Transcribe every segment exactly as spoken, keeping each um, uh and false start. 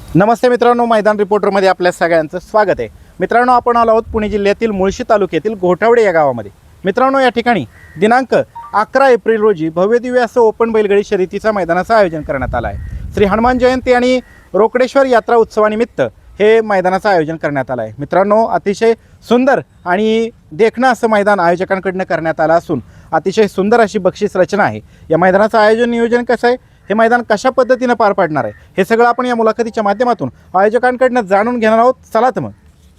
नमस्ते मित्रांनो, मैदान रिपोर्टरमध्ये आपल्या सगळ्यांचं स्वागत आहे। मित्रांनो, आपण आलो आहोत पुणे जिल्ह्यातील मुळशी तालुक्यातील घोटावडे या गावामध्ये। मित्रांनो, या ठिकाणी दिनांक अकरा एप्रिल रोजी भव्यदिव्य असं ओपन बैलगाडी शर्यतीच्या मैदानाचं आयोजन करण्यात आलं आहे। श्री हनुमान जयंती आणि रोकडेश्वर यात्रा उत्सवानिमित्त हे मैदानाचं आयोजन करण्यात आलं आहे। मित्रांनो, अतिशय सुंदर आणि देखणं असं मैदान आयोजकांकडून करण्यात आलं असून अतिशय सुंदर अशी बक्षीस रचना आहे। या मैदानाचं आयोजन नियोजन कसं आहे, हे मैदान कशा पद्धतीने पार पाडणार आहे, हे सगळं आपण या मुलाखतीच्या माध्यमातून आयोजकांकडून जाणून घेणार आहोत। चला तर मग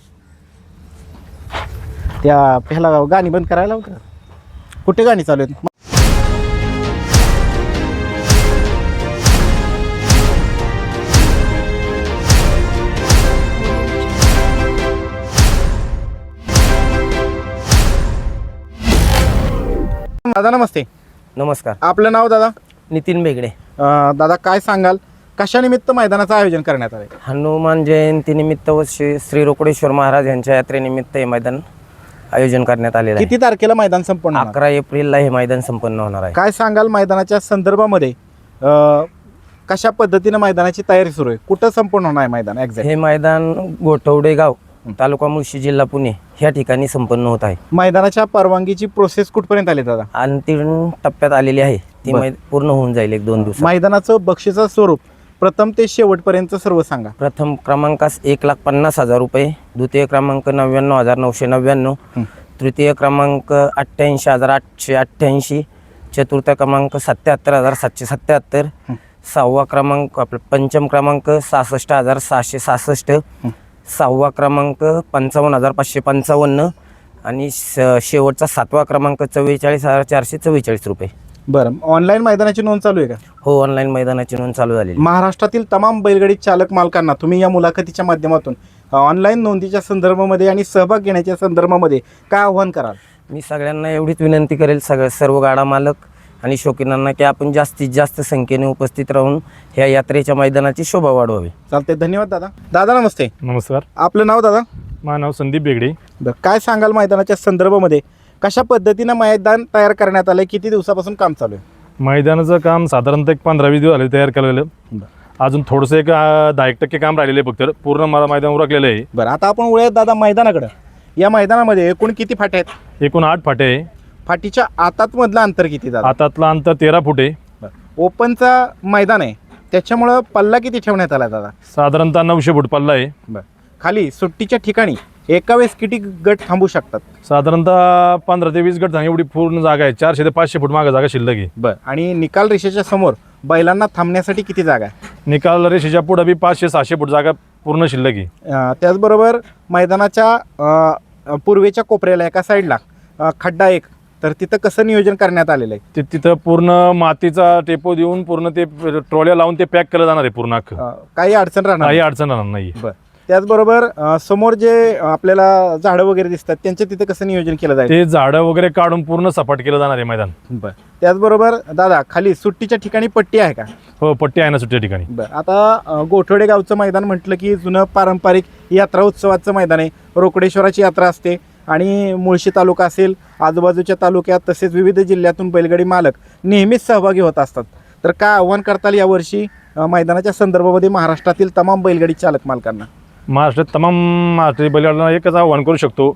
त्या पहिला गाणी बंद करायला होतं, कुठे गाणी चालू आहेत? दादा नमस्ते। नमस्कार। आपलं नाव दादा? नितीन बेगडे। अं, दादा काय सांगाल, कशा निमित्त मैदानाचं आयोजन करण्यात आले? हनुमान जयंतीनिमित्त व श्री श्री रोकडेश्वर महाराज यांच्या यात्रेनिमित्त हे मैदान आयोजन करण्यात आलेलं आहे। किती तारखेला मैदान संपन्न होणार? अकरा एप्रिलला हे मैदान संपन्न होणार आहे। काय सांगाल मैदानाच्या संदर्भामध्ये, अं, कशा पद्धतीने मैदानाची तयारी सुरू आहे, कुठं संपूर्ण होणार आहे मैदान एक्झॅक्ट? हे मैदान गोठवडे गाव, तालुका मुळशी, जिल्हा पुणे ह्या ठिकाणी संपन्न होत आहे। मैदानाच्या परवानगीची प्रोसेस कुठपर्यंत आली दादा? अंतिम टप्प्यात आलेली आहे, ती बर. मै पूर्ण होऊन जाईल एक दोन दिवसात। मैदानाचं बक्षिसाचं स्वरूप प्रथम ते शेवटपर्यंत सर्व सांगा। प्रथम क्रमांकास एक लाख पन्नास हजार रुपये, द्वितीय क्रमांक नव्याण्णव हजार नऊशे नव्याण्णव, तृतीय क्रमांक अठ्ठ्याऐंशी हजार आठशे अठ्ठ्याऐंशी, चतुर्थ क्रमांक सत्याहत्तर हजार सातशे सत्याहत्तर, सहावा क्रमांक आपलं पंचम क्रमांक सहासष्ट हजार सहाशे सहासष्ट, सहावा क्रमांक पंचावन्न हजार पाचशे पंचावन्न आणि शेवटचा सातवा क्रमांक चव्वेचाळीस हजार चारशे चव्वेचाळीस रुपये। बरं, ऑनलाईन मैदानाची नोंद चालू आहे का? हो, ऑनलाईन मैदानाची नोंद चालू झालेली। महाराष्ट्रातील तमाम बैलगाडी चालक मालकांना तुम्ही या मुलाखतीच्या माध्यमातून ऑनलाईन नोंदीच्या संदर्भामध्ये आणि सहभाग घेण्याच्या संदर्भामध्ये काय आव्हान कराल? मी सगळ्यांना एवढीच विनंती करेल, सगळ्या सर्व गाडा मालक आणि शौकीनांना, की आपण जास्तीत जास्त संख्येने उपस्थित राहून ह्या यात्रेच्या मैदानाची शोभा वाढवावी। चालते, धन्यवाद दादा। दादा नमस्ते। नमस्कार। आपलं नाव दादा? माझं नाव संदीप बेगडे। बरं, काय सांगाल मैदानाच्या संदर्भामध्ये, कशा पद्धतीनं मैदान तयार करण्यात आलं, किती दिवसापासून काम चालू आहे? मैदानाचं काम साधारणतः एक पंधरा वीस दिवस झाले तयार केलेलं। अजून थोडंसं एक अं, दहा एक टक्के काम राहिलेलं आहे फक्त, पूर्ण मला मैदान उरकलेलं आहे। बरं, आता आपण वळूयात दादा मैदानाकडं। या मैदानामध्ये एकूण किती फाटे आहेत? एकूण आठ फाटे आहे। फाटीच्या आतात मधलं अंतर किती दादा? आतातलं अंतर तेरा फूट आहे। ओपनचा मैदान आहे, त्याच्यामुळं पल्ला किती ठेवण्यात आला दादा? साधारणतः नऊशे फूट पल्ला आहे। बरं, खाली सुट्टीच्या ठिकाणी एका वेळेस किती गट थांबू शकतात? साधारणतः पंधरा ते वीस गट झाले, एवढी पूर्ण जागा आहे। चारशे ते पाचशे फूट मागे जागा शिल्लक आहे। बरं, आणि निकाल रेषेच्या समोर बैलांना थांबण्यासाठी किती जागा आहे? निकाल रेषेच्या पुढे बी पाचशे सहाशे फूट जागा पूर्ण शिल्लक आहे। अं, त्याचबरोबर मैदानाच्या अं, पूर्वेच्या कोपऱ्याला एका साईडला अं, खड्डा एक, तर तिथं कसं नियोजन करण्यात आलेलं आहे? ते तिथं पूर्ण मातीचा टेपो देऊन पूर्ण ते ट्रॉल्या लावून ते पॅक केलं जाणार आहे पूर्ण अख्खं। अं, काही अडचण राहणार काही नाही? अडचण राहणार नाही। बरं, त्याचबरोबर अं, समोर जे आपल्याला झाडं वगैरे दिसतात त्यांच्या तिथं कसं नियोजन केलं जाईल? ते झाडं वगैरे काढून पूर्ण सपाट केलं जाणार आहे मैदान। बरं, त्याचबरोबर दादा खाली सुट्टीच्या ठिकाणी पट्टी आहे का? हो, पट्टी आहे ना सुट्ट्या ठिकाणी। बरं, आता अं, गोठवडे गावचं मैदान म्हटलं की जुनं पारंपरिक यात्रा उत्सवाचं मैदान आहे। रोकडेश्वराची यात्रा असते आणि मुळशी तालुका असेल, आजूबाजूच्या तालुक्यात तसेच विविध जिल्ह्यातून बैलगाडी मालक नेहमीच सहभागी होत असतात। तर काय आव्हान करताल यावर्षी अं, मैदानाच्या संदर्भामध्ये महाराष्ट्रातील तमाम बैलगाडी चालक मालकांना? महाराष्ट्रात तमाम महाराष्ट्रीय बैलगाड्यांना एकच आव्हान करू शकतो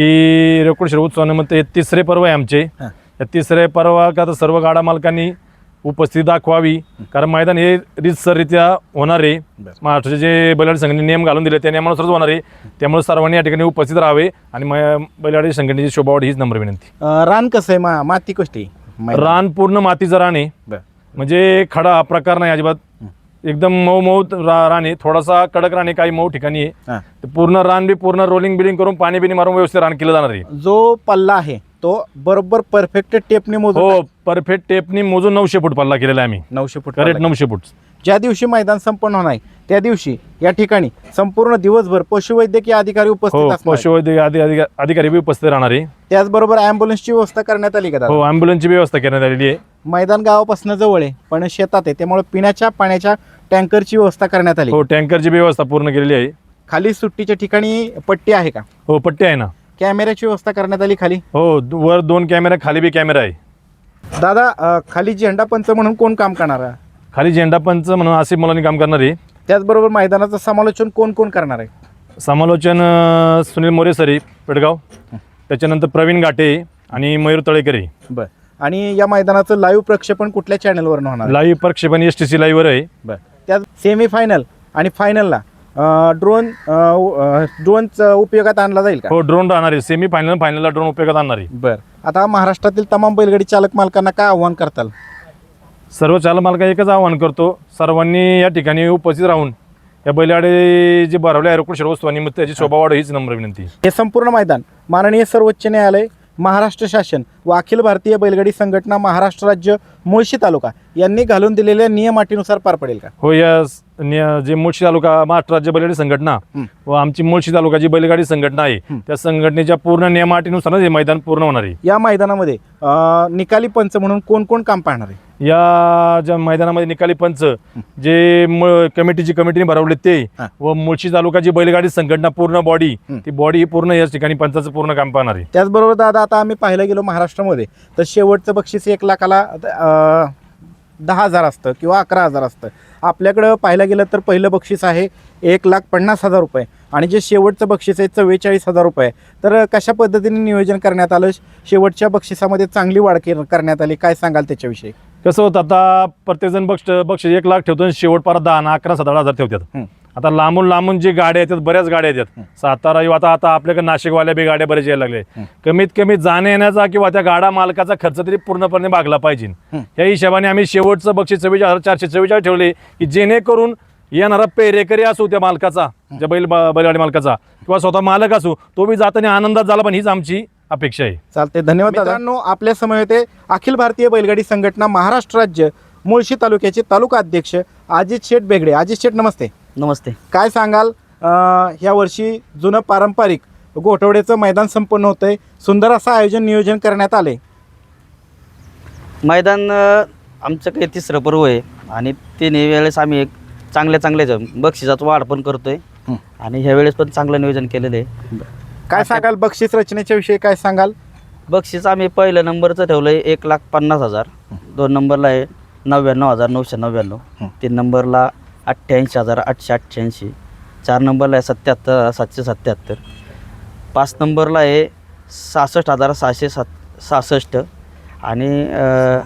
की रोकडेश्वर उत्सवानिमित्त हे तिसरे पर्व आहे आमचे। या तिसरे पर्व का तर सर्व गाडा मालकांनी उपस्थिती दाखवावी, कारण मैदान हे रीतसररित्या होणार आहे। महाराष्ट्राचे जे बैलगाडी संघटनेने नियम घालून दिले त्या नियमानुसारच होणार आहे, त्यामुळे सर्वांनी या ठिकाणी उपस्थित राहावे आणि बैलगाडी संघटनेची शोभा वाढ हीच नम्र विनंती। अं, रान कसं आहे, मा माती कशी आहे? रान पूर्ण मातीचं रान आहे, म्हणजे खडा हा प्रकार नाही अजिबात, एकदम मऊ मऊ रा रान आहे। थोडासा कडक रान आहे, काही मऊ ठिकाणी आहे। पूर्ण रान बी पूर्ण रोलिंग बिलिंग करून पाणी बिनी मारून व्यवस्थित रान केलं जाणार आहे। जो पल्ला आहे तो बरोबर परफेक्ट टेपने मोजून? हो, परफेक्ट टेपनी मोजून नऊशे फूट पल्ला केलेला आहे आम्ही। नऊशे फूट करेक्ट नऊशे फूट। ज्या दिवशी मैदान संपन्न होणार आहे त्या दिवशी या ठिकाणी संपूर्ण दिवसभर पशुवैद्यकीय अधिकारी उपस्थित हो, असणार? पशुवैद्यकीय अधिकारी बी उपस्थित राहणार आहे। त्याचबरोबर ॲम्ब्युलन्सची व्यवस्था करण्यात आली का? हो, ॲम्ब्युलन्सची व्यवस्था करण्यात आलेली आहे। मैदान गावापासून जवळ आहे पण शेतात आहे, त्यामुळे पिण्याच्या पाण्याच्या टँकरची व्यवस्था करण्यात आली? हो, टँकरची व्यवस्था पूर्ण केलेली आहे। खाली सुट्टीच्या ठिकाणी पट्टी आहे का? हो, पट्टी आहे ना। कॅमेऱ्याची व्यवस्था करण्यात आली खाली? हो, वर दोन कॅमेरा, खाली बी कॅमेरा आहे। दादा अं, खाली झेंडा पंच म्हणून कोण काम करणार आहे? खाली झेंडा पंच म्हणून आसिफ मुलांनी काम करणार आहे। त्याचबरोबर मैदानाचं समालोचन कोण कोण करणार आहे? समालोचन अ, सुनील मोरे सरी पेडगाव, त्याच्यानंतर प्रवीण घाटे आणि मयूर तळेकरे. बर. आणि या मैदानाचं लाईव्ह प्रक्षेपण कुठल्या चॅनलवर होणार आहे? लाईव्ह प्रक्षेपण एस टी सी लाईव्हवर आहे. बर. त्यात सेमीफायनल आणि फायनलला ड्रोन ड्रोनचा उपयोगात आणला जाईल का? हो, ड्रोन राहणार आहे. सेमी फायनल फायनलला ड्रोन उपयोगात आणणार आहे. बर. आता महाराष्ट्रातील तमाम बैलगाडी चालक मालकांना काय आव्हान करताल? सर्व चालक मालका एकच आवाहन करतो, सर्वांनी या ठिकाणी उपस्थित राहून या बैलगाडी जे भरवले आहे रोकड शिरवस्तू निमित्त त्याची शोभा वाढ हीच नम्र विनंती. हे संपूर्ण मैदान माननीय सर्वोच्च न्यायालय, महाराष्ट्र शासन व अखिल भारतीय बैलगाडी संघटना महाराष्ट्र राज्य मुळशी तालुका यांनी घालून दिलेल्या नियम अटीनुसार पार पडेल का? हो, या स- निय- जे मुळशी तालुका महाराष्ट्र राज्य बैलगाडी संघटना हं. व आमची मुळशी तालुका जी बैलगाडी संघटना आहे हं. त्या संघटनेच्या पूर्ण नियमाटीनुसारच हे मैदान पूर्ण होणार आहे. या मैदानामध्ये अं, निकाली पंच म्हणून कोण कोण काम पाहणार आहे? या ज्या मैदानामध्ये निकाली पंच जे मूळ कमिटीची कमिटीने भरवले ते हा. व मुळशी तालुका जी बैलगाडी संघटना पूर्ण बॉडी हं. ती बॉडी पूर्ण याच ठिकाणी पंचाचं पूर्ण काम पाहणार आहे. त्याचबरोबर दादा, आता आम्ही पाहायला गेलो महाराष्ट्रामध्ये तर शेवटचं बक्षीस एक लाखाला अं, दहा हजार असतं किंवा अकरा हजार असतं. आपल्याकडं पाहायला गेलं तर पहिलं बक्षीस आहे एक लाख पन्नास हजार रुपये आणि जे शेवटचं बक्षीस आहे चव्वेचाळीस हजार रुपये. तर कशा पद्धतीने नियोजन करण्यात आलं? शेवटच्या बक्षिसामध्ये चांगली वाढ के- करण्यात आली, काय सांगाल त्याच्याविषयी? कसं होतं, आता प्रत्येकजण बक्ष बक्षीस एक लाख ठेवतो आणि शेवट पार दहा ना अकरा सतरा हजार ठेवतात. हं. आता लांबून लांबून जी गाड्या येतात, बऱ्याच गाड्या येतात. सातारा येऊ, आता आता आपल्याकडे नाशिकवाल्या बी गाड्या बऱ्याच यायला लागले. कमीत कमी जाण्या येण्याचा किंवा त्या गाडा मालकाचा खर्च तरी पूर्णपणे भागला पाहिजे. या हिशोबाने आम्ही शेवटचं बक्षीस चव्वेचाळीस हजार चारशे चव्वेचाळीस ठेवले की जेणेकरून येणारा पेरेकरी असू त्या मालकाचा, ज्या बैल बैलगाडी मालकाचा किंवा स्वतः मालक असू, तो बी जाताना आनंदात झाला, पण हीच आमची अपेक्षा आहे. चालते, धन्यवाद मित्रांनो. आपल्या समोर होते अखिल भारतीय बैलगाडी संघटना महाराष्ट्र राज्य मुळशी तालुक्याचे तालुका अध्यक्ष अजित शेठ बेगडे. अजित शेठ, नमस्ते. नमस्ते. काय सांगाल, अं, ह्या वर्षी जुनं पारंपरिक गोठवड्याचं मैदान संपन्न होतंय, सुंदर असं आयोजन नियोजन करण्यात आले. मैदान अ, आमचं काही तिसरं पर्व आहे आणि तिन्ही वेळेस आम्ही एक चांगल्या चांगल्या बक्षिसाचं वाढ पण करतोय हं. आणि ह्या वेळेस पण चांगलं नियोजन केलेलं आहे. काय सांगाल बक्षीस रचनेच्या विषयी, काय सांगाल? बक्षीस आम्ही पहिलं नंबरचं ठेवलं आहे एक लाख पन्नास हजार, दोन नंबरला आहे नव्याण्णव हजार नऊशे नव्याण्णव, हं. तीन नंबरला अठ्ठ्याऐंशी हजार आठशे अठ्ठ्याऐंशी, चार नंबरला आहे सत्याहत्तर हजार सातशे सत्याहत्तर, पाच नंबरला आहे सहासष्ट हजार सहाशे सात सहासष्ट आणि अ,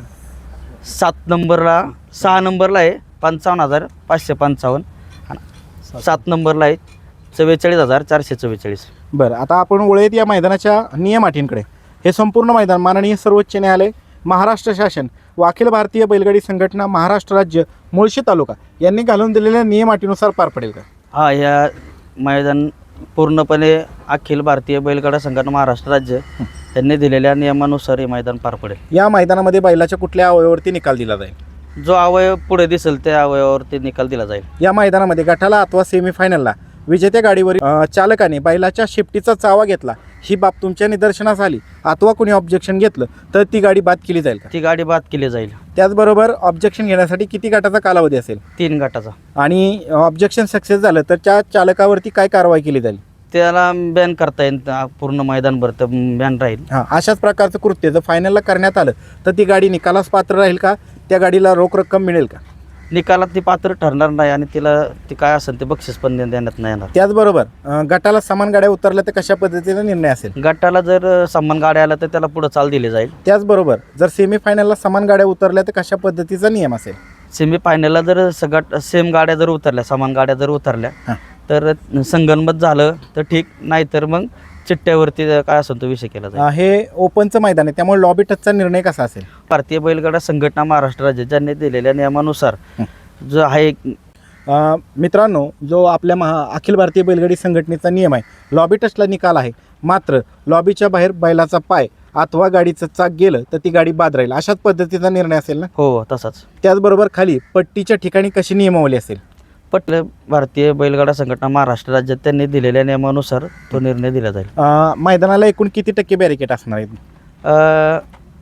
सात नंबरला सहा नंबरला आहे पंचावन्न हजार पाचशे पंचावन्न आणि सात नंबरला आहे चव्वेचाळीस हजार चारशे चव्वेचाळीस. बरं, आता आपण वळूयात या मैदानाच्या नियम अटींकडे. हे संपूर्ण मैदान माननीय सर्वोच्च न्यायालय, महाराष्ट्र शासन व अखिल भारतीय बैलगाडी संघटना महाराष्ट्र राज्य मुळशी तालुका यांनी घालून दिलेल्या नियम अटीनुसार पार पडेल का? हा, ह्या मैदान पूर्णपणे अखिल भारतीय बैलगाडा संघटना महाराष्ट्र राज्य यांनी दिलेल्या नियमानुसार हे मैदान पार पडेल. या मैदानामध्ये बैलाच्या कुठल्या अवयवावरती निकाल दिला जाईल? जो अवयव पुढे दिसेल त्या अवयवावरती निकाल दिला जाईल. या मैदानामध्ये गटाला अथवा सेमीफायनलला विजेत्या गाडीवरील अ, चालकाने बैलाच्या शेपटीचा चावा घेतला, ही बाब तुमच्या निदर्शनास आली अथवा कोणी ऑब्जेक्शन घेतलं तर ती गाडी बाद केली जाईल का? ती गाडी बाद केली जाईल. त्याचबरोबर ऑब्जेक्शन घेण्यासाठी किती गटाचा कालावधी असेल? तीन गटाचा. आणि ऑब्जेक्शन सक्सेस झालं तर त्या चालकावरती काय कारवाई केली जाईल? त्याला बॅन करता येईल, त्या पूर्ण मैदानभर तर बॅन राहील. हां, अशाच प्रकारचं कृत्य जर फायनलला करण्यात आलं तर ती गाडी निकालास पात्र राहील का? त्या गाडीला रोख रक्कम मिळेल का? निकालात ती पात्र ठरणार नाही आणि तिला ती काय असेल ते बक्षीस पण देण्यात नाही येणार. त्याचबरोबर अ, गटाला समान गाड्या उतरल्या तर कशा पद्धतीचा निर्णय असेल? गटाला जर समान गाड्या आल्या तर त्याला पुढे चाल दिली जाईल. त्याचबरोबर जर सेमीफायनलला समान गाड्या उतरल्या तर कशा पद्धतीचा नियम असेल? सेमी फायनलला जर सगळ्यात सेम गाड्या जर उतरल्या, समान गाड्या जर उतरल्या हां. तर संगनमत झालं तर ठीक, नाही तर मग चिठ्ठ्यावरती काय असेल तो विषय केला जाईल. अ, हे ओपनचं मैदान आहे त्यामुळे लॉबी टचचा निर्णय कसा असेल? भारतीय बैलगाडा संघटना महाराष्ट्र राज्य ज्यांनी दिलेल्या नियमानुसार जो आहे अ, मित्रांनो, जो आपल्या महा अखिल भारतीय बैलगाडी संघटनेचा नियम आहे, लॉबी टचला निकाल आहे, मात्र लॉबीच्या बाहेर बैलाचा पाय अथवा गाडीचं चाक गेलं तर ती गाडी बाद राहील, अशाच पद्धतीचा निर्णय असेल ना? हो तसाच. त्याचबरोबर खाली पट्टीच्या ठिकाणी कशी नियमावली असेल? पटलं भारतीय बैलगाडा संघटना महाराष्ट्र राज्यात त्यांनी दिलेल्या नियमानुसार तो निर्णय दिला जाईल. अ, मैदानाला एकूण किती टक्के बॅरिकेड असणार आहेत? अ,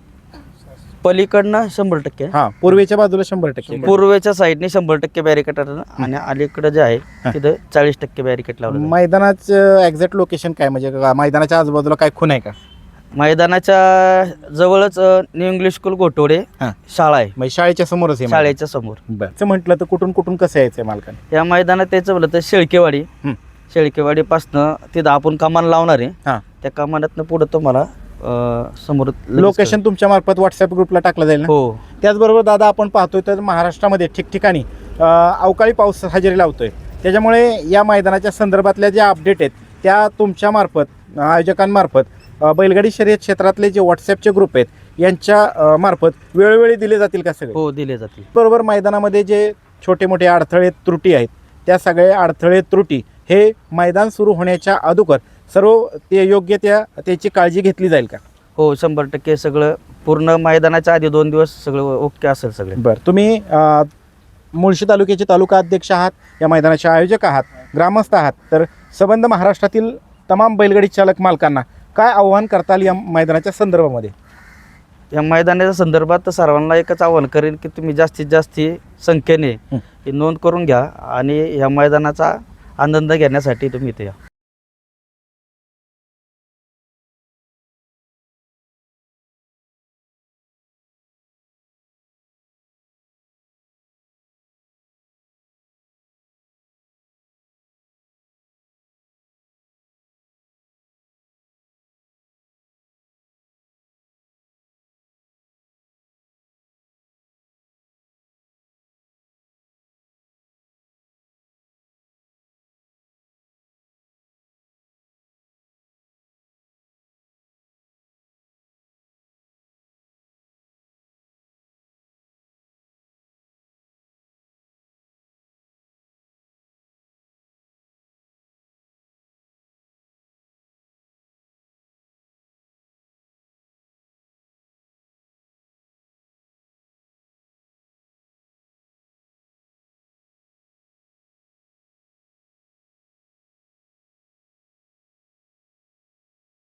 पलीकडनं शंभर टक्के, हां, पूर्वेच्या बाजूला शंभर टक्के. पूर्वेच्या साईडने शंभर टक्के बॅरिकेड आणि अलीकडे जे आहे तिथं चाळीस टक्के बॅरिकेड लावलं जाईल. मैदानाचं एक्झॅक्ट लोकेशन काय, म्हणजे का- मैदानाच्या आजूबाजूला काय खून आहे का? मैदानाच्या जवळच अ, न्यू इंग्लिश स्कूल गोटवडे हां शाळा आहे, म्हणजे शाळेच्या समोरच आहे मैदान. शाळेच्या समोर. बरं असं म्हटलं तर कुठून कुठून कसं यायचं मालकाने? या मैदानात त्याचं म्हणलं तर शेळकेवाडी, हं. शेळकेवाडीपासनं तिथं आपण कमान लावणार आहे, हां त्या कमानातनं पुढं तुम्हाला अ, समोर लगेच लोकेशन तुमच्या मार्फत व्हॉट्सअप ग्रुपला टाकलं जाईल ना? हो. त्याचबरोबर दादा आपण पाहतोय तर महाराष्ट्रामध्ये ठिकठिकाणी अ, अवकाळी पाऊस हजेरी लावतोय, त्याच्यामुळे या मैदानाच्या संदर्भातल्या ज्या अपडेट आहेत त्या तुमच्या मार्फत आयोजकांमार्फत अ, बैलगाडी शर्यत क्षेत्रातले जे व्हॉट्सअपचे ग्रुप आहेत यांच्या अ, मार्फत वेळोवेळी दिले जातील का सगळे? हो दिले जातील. बरोबर मैदानामध्ये जे छोटे मोठे अडथळे त्रुटी आहेत त्या सगळे अडथळे त्रुटी हे मैदान सुरू होण्याच्या अगोदर सर्व ते योग्य त्या त्याची काळजी घेतली जाईल का? हो शंभर टक्के सगळं पूर्ण मैदानाच्या आधी दोन दिवस सगळं ओके असेल सगळे. बरं तुम्ही अ, मुळशी तालुक्याचे तालुका अध्यक्ष आहात, या मैदानाचे आयोजक आहात, ग्रामस्थ आहात, तर संबंध महाराष्ट्रातील तमाम बैलगाडी चालक मालकांना काय आव्हान करताल या मैदानाच्या संदर्भामध्ये? या मैदानाच्या संदर्भात सर्वांना एकच आवाहन करेन की तुम्ही जास्तीत जास्त संख्येने हं. ही नोंद करून घ्या आणि या मैदानाचा आनंद घेण्यासाठी तुम्ही इथे या.